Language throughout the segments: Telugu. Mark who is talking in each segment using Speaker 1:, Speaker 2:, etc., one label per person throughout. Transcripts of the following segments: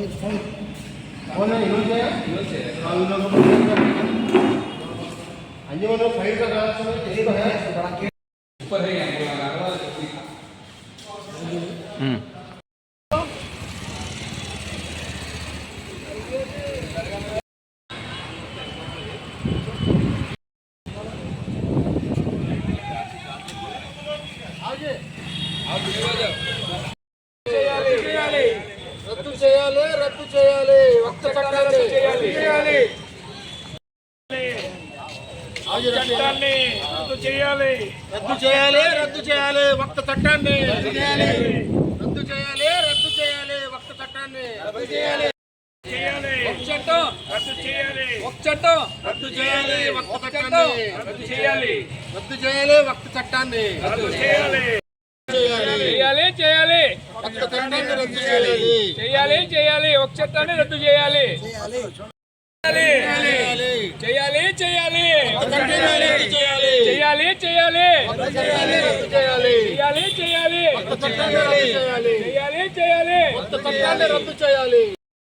Speaker 1: రద్దు చేయాలి, రద్దు చేయాలి, వక్త చట్టాన్ని రద్దు చేయాలి,
Speaker 2: రద్దు చేయాలి,
Speaker 1: రద్దు చేయాలి, రద్దు చేయాలి, వక్త చట్టాన్ని రద్దు చేయాలి, రద్దు చేయాలి, రద్దు చేయాలి, వక్త చట్టాన్ని రద్దు చేయాలి, చట్టం
Speaker 2: రద్దు చేయాలి,
Speaker 1: చట్టం రద్దు చేయాలి, వక్త చట్టాన్ని
Speaker 2: రద్దు చేయాలి,
Speaker 1: రద్దు చేయాలి, వక్త చట్టాన్ని
Speaker 2: రద్దు చేయాలి,
Speaker 1: చేయాలి,
Speaker 2: చేయాలి,
Speaker 1: వక్త చట్టాన్ని రద్దు చేయాలి,
Speaker 2: చేయాలి, చేయాలి, ఒక చట్టాన్ని రద్దు చేయాలి, చేయాలి, చేయాలి, చేయాలి, చేయాలి, చేయాలి, చేయాలి,
Speaker 1: రద్దు చేయాలి,
Speaker 2: చేయాలి, చేయాలి,
Speaker 1: వక్త చట్టాన్ని రద్దు చేయాలి,
Speaker 2: చేయాలి, చేయాలి,
Speaker 1: వక్త చట్టాన్ని రద్దు చేయాలి,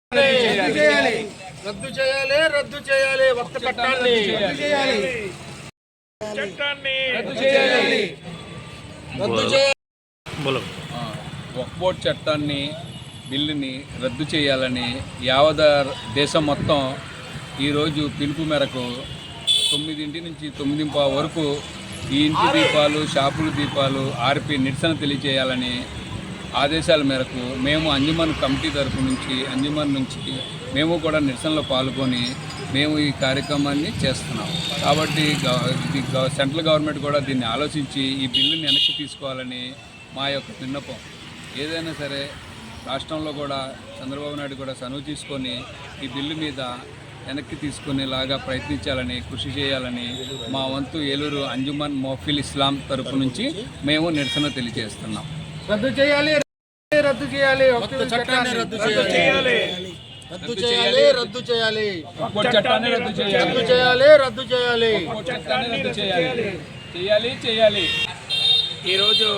Speaker 1: రద్దు చేయాలి, రద్దు చేయాలి, వక్త చట్టాన్ని రద్దు చేయాలి,
Speaker 2: చట్టాన్ని
Speaker 1: రద్దు చేయాలి, రద్దు చేయాలి.
Speaker 3: వక్ఫ్ బోర్డు చట్టాన్ని బిల్లుని రద్దు చేయాలని యావద దేశం మొత్తం ఈరోజు పిలుపు మేరకు 9 నుంచి 9:15 వరకు ఈ ఇంటి దీపాలు, షాపుల దీపాలు ఆర్పి నిరసన తెలియజేయాలని ఆదేశాల మేరకు మేము అంజుమన్ కమిటీ తరఫు నుంచి అంజుమన్ నుంచి మేము కూడా నిరసనలో పాల్గొని మేము ఈ కార్యక్రమాన్ని చేస్తున్నాం. కాబట్టి సెంట్రల్ గవర్నమెంట్ కూడా దీన్ని ఆలోచించి ఈ బిల్లుని వెనక్కి తీసుకోవాలని మా యొక్క విన్నపం. ఏదైనా సరే రాష్ట్రంలో కూడా చంద్రబాబు నాయుడు కూడా చనువు తీసుకొని ఈ బిల్లు మీద వెనక్కి తీసుకునేలాగా ప్రయత్నించాలని, కృషి చేయాలని మా వంతు ఏలూరు అంజుమన్ మోఫిల్ ఇస్లాం తరపు నుంచి మేము నిరసన తెలియజేస్తున్నాం.
Speaker 1: రద్దు చేయాలి, రద్దు చేయాలి, వక్ఫ్ చట్టాన్ని రద్దు చేయాలి, రద్దు చేయాలి, రద్దు చేయాలి,
Speaker 2: చట్టాన్ని రద్దు చేయాలి,
Speaker 1: రద్దు చేయాలి, రద్దు చేయాలి,
Speaker 2: చట్టాన్ని రద్దు చేయాలి, చేయాలి, చేయాలి. ఈరోజు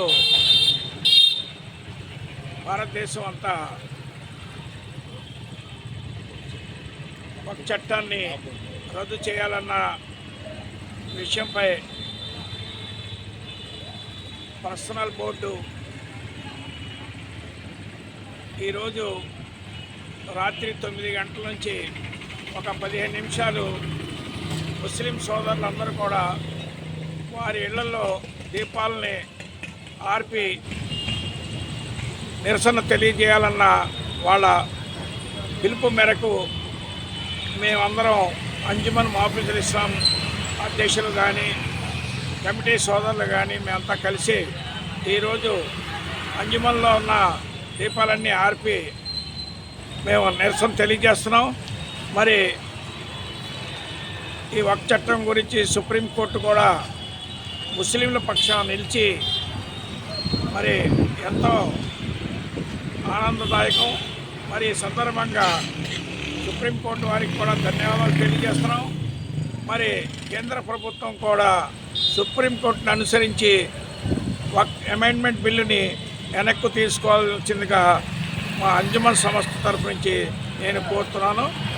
Speaker 2: భారతదేశం అంతా ఒక చట్టాన్ని రద్దు చేయాలన్న విషయంపై పర్సనల్ బోర్డు ఈరోజు రాత్రి 9 గంటల నుంచి ఒక 15 నిమిషాలు ముస్లిం సోదరులందరూ కూడా వారి ఇళ్లలో దీపాలని ఆర్పి నిరసన తెలియజేయాలన్న వాళ్ళ పిలుపు మేరకు మేమందరం అంజుమన్ మోఫిల్ ఇస్లాం అధ్యక్షులు కానీ కమిటీ సోదరులు కానీ మేమంతా కలిసి ఈరోజు అంజుమన్లో ఉన్న దీపాలన్నీ ఆర్పి మేము నిరసన తెలియజేస్తున్నాం. మరి ఈ వక్ఫ్ చట్టం గురించి సుప్రీంకోర్టు కూడా ముస్లింల పక్షాన నిలిచి మరి ఎంతో ఆనందదాయకం. మరి ఈ సందర్భంగా సుప్రీంకోర్టు వారికి కూడా ధన్యవాదాలు తెలియజేస్తున్నాం. మరి కేంద్ర ప్రభుత్వం కూడా సుప్రీంకోర్టును అనుసరించి వక్ఫ్ అమెండ్మెంట్ బిల్లుని వెనక్కు తీసుకోవాల్సిందిగా మా అంజుమన్ సంస్థ తరఫు నుంచి నేను కోరుతున్నాను.